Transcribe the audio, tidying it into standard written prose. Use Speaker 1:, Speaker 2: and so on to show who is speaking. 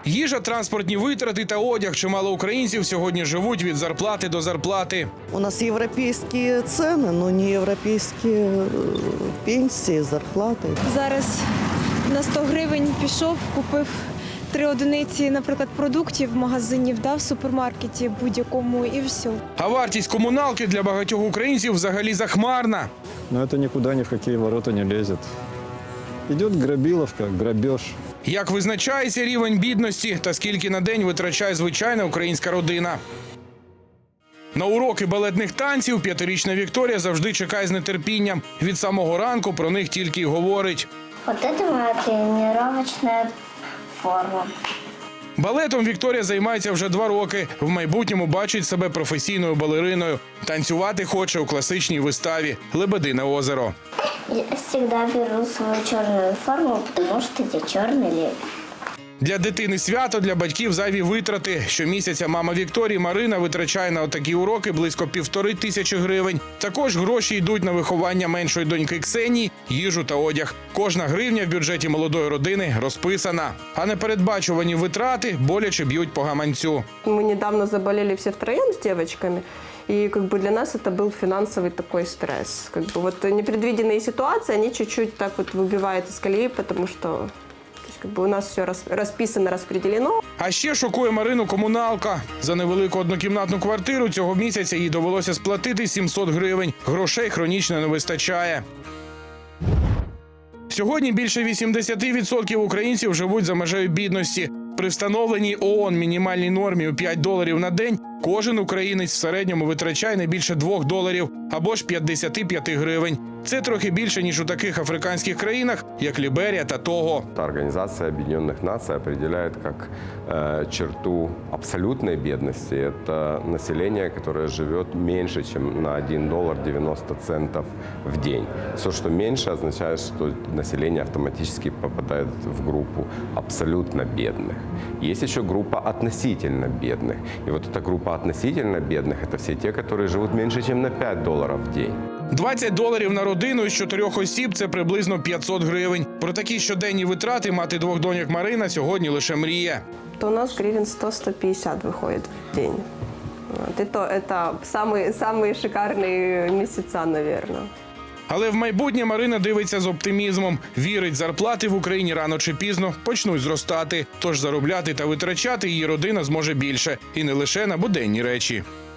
Speaker 1: Їжа, транспортні витрати та одяг. Чимало українців сьогодні живуть від зарплати до зарплати.
Speaker 2: У нас европейские цены, но не европейские пенсии, зарплаты.
Speaker 3: Зараз на 100 гривень пішов, купив 3 одиниці, наприклад, продуктів в магазині, в супермаркеті будь-якому і все.
Speaker 1: А вартість комуналки для багатьох українців взагалі захмарна.
Speaker 4: Но это никуда ни в какие ворота не лезет. Идет грабиловка, грабеж.
Speaker 1: Як визначається рівень бідності та скільки на день витрачає звичайна українська родина? На уроки балетних танців 5-річна Вікторія завжди чекає з нетерпінням. Від самого ранку про них тільки й говорить.
Speaker 5: Вот это моя тренировочная форма.
Speaker 1: Балетом Вікторія займається вже 2 роки. В майбутньому бачить себе професійною балериною. Танцювати хоче у класичній виставі «Лебедине озеро».
Speaker 5: Я всегда беру свою черную форму, потому что я черный лебедь.
Speaker 1: Для дитини свято, для батьків зайві витрати. Щомісяця мама Вікторії Марина витрачає на отакі уроки близько 1500 гривень. Також гроші йдуть на виховання меншої доньки Ксенії, їжу та одяг. Кожна гривня в бюджеті молодої родини розписана. А непередбачувані витрати боляче б'ють по гаманцю.
Speaker 6: Мы недавно заболели все втроем с девочками, и для нас это был финансовый такой стресс. Непредвиденные ситуации, они чуть-чуть так выбивают из колеи, потому что у нас все расписано, распределено.
Speaker 1: А ще шокує Марину комуналка. За невелику однокімнатну квартиру цього місяця їй довелося сплатити 700 гривень. Грошей хронічно не вистачає. Сьогодні більше 80% українців живуть за межею бідності. При встановленій ООН мінімальній нормі у $5 на день кожен українець в середньому витрачає не більше $2 або ж 55 гривень. Це трохи більше, ніж у таких африканських країнах, як Ліберія та Того.
Speaker 7: Организация Объединенных Наций определяет как черту абсолютной бедности. Это население, которое живет меньше, чем на $1.90 в день. Все, что меньше, означает, что население автоматически попадает в группу абсолютно бедных. Есть еще группа относительно бедных. И вот эта группа относительно бедных – это все те, которые живут меньше, чем на $5 в день.
Speaker 1: $20 на родину із 4 осіб – це приблизно 500 гривень. Про такі щоденні витрати мати 2 доньок Марина сьогодні лише мріє.
Speaker 6: То у нас гривен 100-150 выходит в день. И то это самые шикарные месяца, наверное.
Speaker 1: Але в майбутнє Марина дивиться з оптимізмом. Вірить, зарплати в Україні рано чи пізно почнуть зростати. Тож заробляти та витрачати її родина зможе більше. І не лише на буденні речі.